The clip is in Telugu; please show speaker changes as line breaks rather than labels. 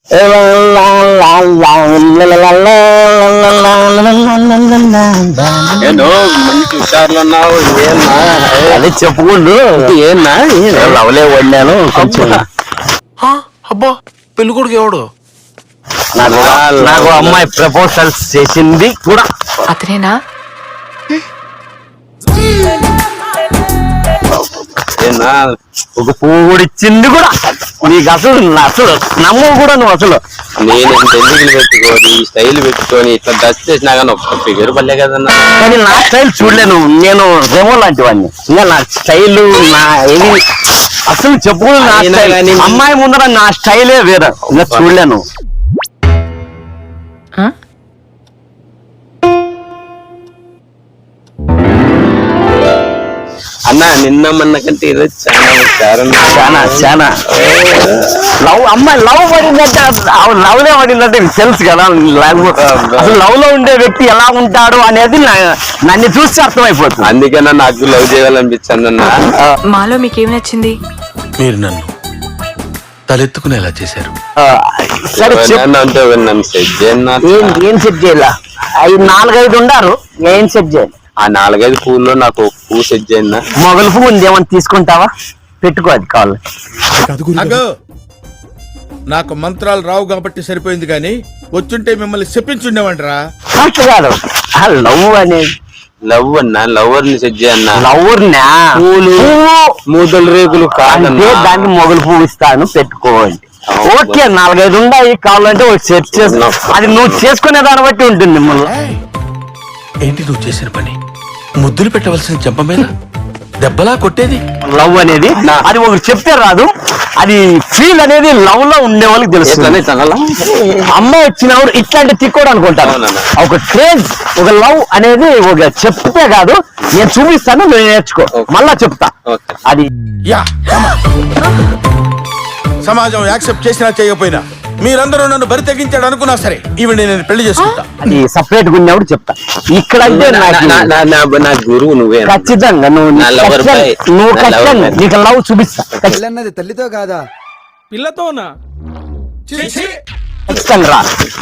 మంచి హుషారులు ఉన్నావు. ఏమన్నా
అదే చెప్పుకుంటూ
ఏనా
లవ్లే వండాను కొంచెం.
అబ్బా పెళ్లి కొడుకు ఎవడు?
నాకు అమ్మాయి ప్రపోజల్స్ చేసింది కూడా
అతనేనా?
ఒక పువ్వు కూడా ఇచ్చింది కూడా. నీకు అసలు నమ్మవు కూడా నువ్వు అసలు.
నేను ఇంత ఎందుకులు పెట్టుకొని స్టైల్ పెట్టుకొని ఇట్లా డ్రెస్ చేసినా కానీ ఒక్క ఫిగర్ పల్లే కదన్నా.
కానీ నా స్టైల్ చూడలేను. నేను రెమో లాంటి వాడిని. ఇంకా నా స్టైల్ నా ఏది అసలు చెప్పుకుని నా స్టైల్. అమ్మాయి ముందర నా స్టైలే వేరే. ఇంకా చూడలేను.
అన్నా నిన్న మొన్న కంటే ఈరోజు
చాలా లవ్ అమ్మాయి లవ్ పడిందంటే లవ్ లే పడిందంటే తెలుసు కదా. లేకపోతే అసలు లవ్ లో ఉండే వ్యక్తి ఎలా ఉంటాడు అనేది నన్ను చూస్తే అర్థమైపోతుంది.
అందుకన్నా నాకు లవ్ చేయాలనిపించింది అన్న.
మాలో మీకేం నచ్చింది?
మీరు నన్ను తలెత్తుకునేలా చేశారు.
సరే
అంటే నన్ను సెట్ చేయన్నా.
ఏం సెట్ చేయాల? 4-5 ఉండారు. ఏం సెట్ చేయాలి?
ఆ 4-5 పూల్లో నాకు పువ్వు సెట్ చేయండి.
మొగలు పువ్వు ఉంది, ఏమన్నా తీసుకుంటావా? పెట్టుకో, అది కావాలి.
నాకు మంత్రాలు రావు కాబట్టి సరిపోయింది, కానీ వచ్చుంటే మిమ్మల్ని చెప్పించుండేవంటరా.
కాదు లవ్ అనేది
లవ్ అన్నా లవర్ ని సెట్ చేయన్నా.
లవర్ నా
మూదల రేకులు కాదంటే
దాన్ని మొగలు పువ్వు ఇస్తాను, పెట్టుకోవాలి. ఓకే 4-5 ఉన్నాయి కావాలంటే సెట్ చేసిన. అది నువ్వు చేసుకునే దాన్ని బట్టి ఉంటుంది. మిమ్మల్ని
ఏంటి నువ్వు చేసిన పని? ముద్దులు పెట్టవలసిన చెంప మీద దెబ్బలా కొట్టేది.
లవ్ అనేది అది ఒకరు చెప్తే రాదు. అది ఫీల్ అనేది లవ్ లో ఉండే వాళ్ళకి తెలుసు. అమ్మాయి వచ్చినప్పుడు ఇట్లాంటి తిక్కోడు అనుకుంటాను. ఒక క్రేజ్, ఒక లవ్ అనేది ఒక చెప్తే కాదు. నేను చూపిస్తాను, నువ్వు నేర్చుకో, మళ్ళా చెప్తా. అది
సమాజం యాక్సెప్ట్ చేసినా చేయకపోయినా మీరందరూ నన్ను బరి తెగించాడు అనుకున్నా సరే, ఈవిడ నేను పెళ్లి చేసుకుంటా.
అది సపరేట్ గా ఉన్నప్పుడు చెప్తా. ఇక్కడ అంటే
నా గురువు నువ్వే.
ఖచ్చితంగా నువ్వు ఖచ్చితంగా నీకు లవ్ చూపిస్తా.
తల్లితో కాదా
పిల్లతోనా?
ఖచ్చితంగా రా.